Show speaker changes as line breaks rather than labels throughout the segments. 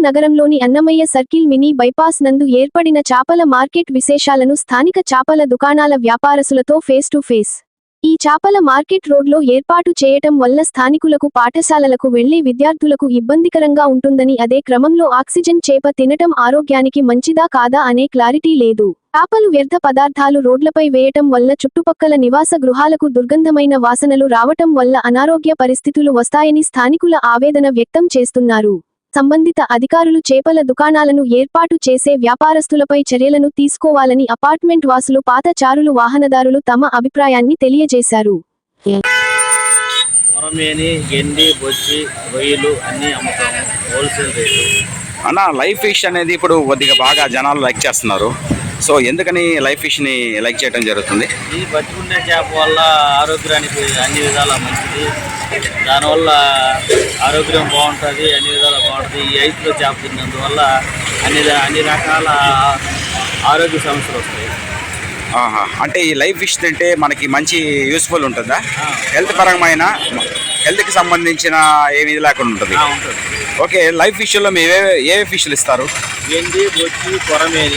నగరంలోని Annamayya circle mini bypass నందు ఏర్పడిన చాపల మార్కెట్ విశేషాలను స్థానిక చాపల దుకాణాల వ్యాపారస్తులతో ఫేస్ టు ఫేస్. ఈ చాపల మార్కెట్ రోడ్లో ఏర్పాటు చేయటం వల్ల స్థానికులకు, పాఠశాలలకు వెళ్లే విద్యార్థులకు ఇబ్బందికరంగా ఉంటుందని, అదే క్రమంలో ఆక్సిజన్ చేప తినటం ఆరోగ్యానికి మంచిదా కాదా అనే క్లారిటీ లేదు. చాపలు వ్యర్థ పదార్థాలు రోడ్లపై వేయటం వల్ల చుట్టుపక్కల నివాస గృహాలకు దుర్గంధమైన వాసనలు రావటం వల్ల అనారోగ్య పరిస్థితులు వస్తాయని స్థానికుల ఆవేదన వ్యక్తం చేస్తున్నారు. సంబంధిత అధికారులు చేపల దుకాణాలను ఏర్పాటు చేసే వ్యాపారస్తులపై చర్యలను తీసుకోవాలని అపార్ట్మెంట్ వాసులు, పాదచారులు, వాహనదారులు తమ అభిప్రాయాన్ని తెలియజేశారు.
లైవ్ ఫిష్ అనేది ఇప్పుడు కొద్దిగా బాగా జనాలు లైక్ చేస్తున్నారు. సో ఎందుకని లైవ్ ఫిష్ని లైక్ చేయడం జరుగుతుంది?
ఈ బతికుండే చేప వల్ల ఆరోగ్యానికి అన్ని విధాల మంచిది. దానివల్ల ఆరోగ్యం బాగుంటుంది, అన్ని విధాలు బాగుంటుంది. ఈ ఐదులో చేప తిన్నందువల్ల అన్ని రకాల ఆరోగ్య సమస్యలు వస్తాయి.
అంటే ఈ లైవ్ ఫిష్ తింటే మనకి మంచి యూస్ఫుల్ ఉంటుందా? హెల్త్కి సంబంధించిన ఏమి లేకుండా ఉంటుంది. ఓకే, లైవ్ ఫిష్లో మీరు ఏ ఫిష్లు ఇస్తారు?
గెండి, బొచ్చి, కొరమేని,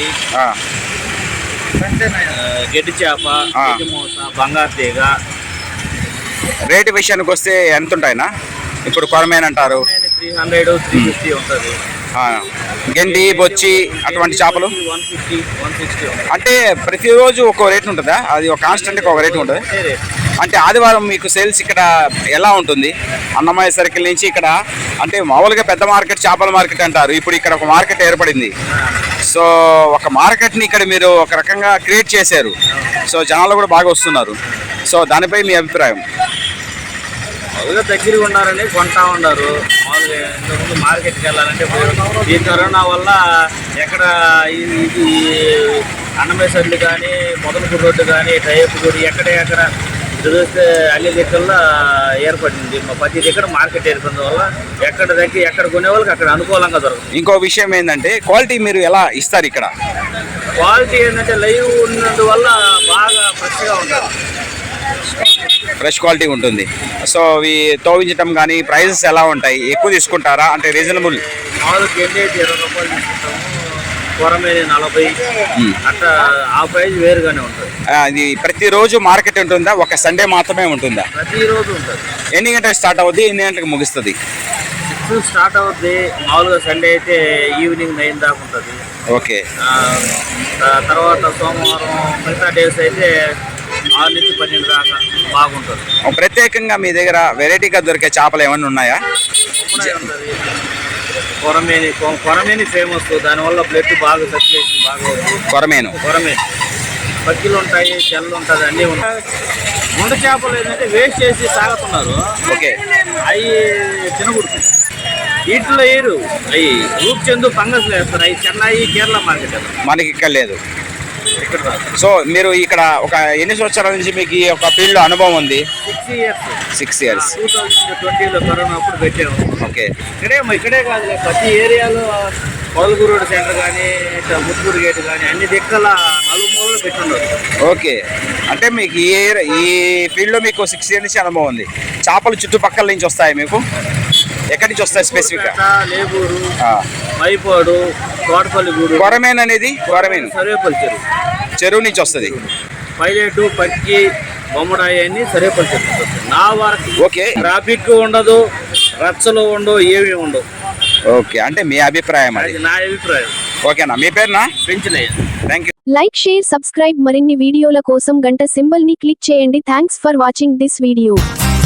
గడ్డి చేప, బంగారు తీగ.
రేటు విషయానికి వస్తే ఎంత ఉంటాయినా? ఇప్పుడు కొరమేని అంటారు
300, 350 ఉంటుంది.
గెండి, బొచ్చి అటువంటి చేపలు
150, 160.
అంటే ప్రతిరోజు ఒక్కో రేటు ఉంటుందా? అది ఒక కాన్స్టెంట్గా ఒక రేటు ఉంటుంది. అంటే ఆదివారం మీకు సేల్స్ ఇక్కడ ఎలా ఉంటుంది? అన్నమయ్య సర్కిల్ నుంచి ఇక్కడ అంటే మామూలుగా పెద్ద మార్కెట్ చేపల మార్కెట్ అంటారు. ఇప్పుడు ఇక్కడ ఒక మార్కెట్ ఏర్పడింది. సో ఒక మార్కెట్ని ఇక్కడ మీరు ఒక రకంగా క్రియేట్ చేశారు. సో జనాలు కూడా బాగా వస్తున్నారు. సో దానిపై మీ అభిప్రాయం?
మామూలుగా దగ్గరగా ఉన్నారని కొంటా ఉన్నారు. మామూలుగా ఇంతకుముందు మార్కెట్కి వెళ్ళాలంటే ఈ కరోనా వల్ల ఎక్కడ ఇది అన్నమయ్య సర్కిల్ కానీ, మొదలపూడి రోడ్డు కానీ, టైపు గుడి ఎక్కడ చూస్తే అన్ని దగ్గరలో ఏర్పడింది. ప్రతి దగ్గర మార్కెట్ ఏర్పడిన వల్ల ఎక్కడ కొనే వాళ్ళకి అక్కడ అనుకూలంగా దొరుకుతుంది.
ఇంకో విషయం ఏంటంటే క్వాలిటీ మీరు ఎలా ఇస్తారు ఇక్కడ?
క్వాలిటీ ఏంటంటే లైవ్ ఉన్నందువల్ల బాగా ఫ్రెష్గా ఉంటుంది.
ఫ్రెష్ క్వాలిటీ ఉంటుంది. సో ఇవి తోవించడం కానీ ప్రైజెస్ ఎలా ఉంటాయి? ఎక్కువ తీసుకుంటారా? అంటే రీజనబుల్?
మామూలు గెండి అయితే 20 రూపాయలు తీసుకుంటాము, కొరమేని 40, అట్లా ఆ ప్రైజ్ వేరుగానే ఉంటుంది.
అది ప్రతిరోజు మార్కెట్ ఉంటుందా? ఒక సండే మాత్రమే ఉంటుందా?
ప్రతిరోజు ఉంటుంది.
ఎన్ని గంటలకు స్టార్ట్ అవుద్ది, ఎన్ని గంటలకు ముగుస్తుంది?
6 స్టార్ట్ అవుద్ది. మామూలుగా సండే అయితే ఈవినింగ్ 9 దాకా ఉంటుంది.
ఓకే.
తర్వాత సోమవారం, మిగతా డేస్ అయితే 6 నుంచి 12 దాకా బాగుంటుంది.
ప్రత్యేకంగా మీ దగ్గర వెరైటీగా దొరికే చేపలు ఏమైనా ఉన్నాయా?
కొరమేని ఫేమస్. దానివల్ల బ్లడ్ బాగా సర్క్యులేషన్ బాగా అవుతుంది.
కొరమేను
పక్కిలు ఉంటాయి, చెల్లు ఉంటుంది, అన్నీ ఉంటాయి. ముండ చేపలు ఏంటంటే వేస్ట్ చేసి సాగుతున్నారు.
ఓకే,
అవి తినకూడదు. వీటిలో వేయరు. అవి రూప్ చెందు ఫంగస్ వేస్తారు. అవి చెన్నై, కేరళ మార్కెట్.
మనకి ఇక్కడ లేదు.
ఇక్కడ
సో మీరు ఇక్కడ ఒక ఎన్ని సంవత్సరాల నుంచి మీకు ఈ ఒక ఫీల్డ్లో అనుభవం ఉంది? 6 ఇయర్స్.
2020లో కరోనా అప్పుడు పెట్టాము.
ఓకే.
ఇక్కడే కాదు, ప్రతి ఏరియాలో మొదలపూడి రోడ్ సెంటర్ కానీ, ముత్తుకూరు గేట్ కానీ అన్ని దిక్కల నలుమూలలో పెట్టున్నారు.
ఓకే, అంటే మీకు ఈ ఫీల్డ్లో మీకు 6 ఇయర్స్ నుంచి అనుభవం ఉంది. చేపలు చుట్టుపక్కల నుంచి వస్తాయి మీకు? ఎక్కడి నుంచి వస్తాయి స్పెసిఫిక్గా?
లేబూరు, మైపాడు, తోటపల్లి గూడు.
కొరమేన్ అనేది
సర్వేపల్లి
చెరువు నుంచి వస్తుంది.
పైలెటు, పక్కి, బొమ్మడాయి అన్ని సర్వేపల్లి చెరువు. నా వరకు
ఓకే.
ట్రాఫిక్ ఉండదు, రచ్చలు ఉండవు, ఏమీ ఉండవు.
ఓకే, అంటే మీ అభిప్రాయం?
అది నా అభిప్రాయం.
ఓకేనా? మీ పేరునా?
పెంచినయ్య.
Thank you.
Like, share, subscribe. మరిన్ని వీడియోల కోసం గంట సింబల్ ని క్లిక్ చేయండి. Thanks for watching this video.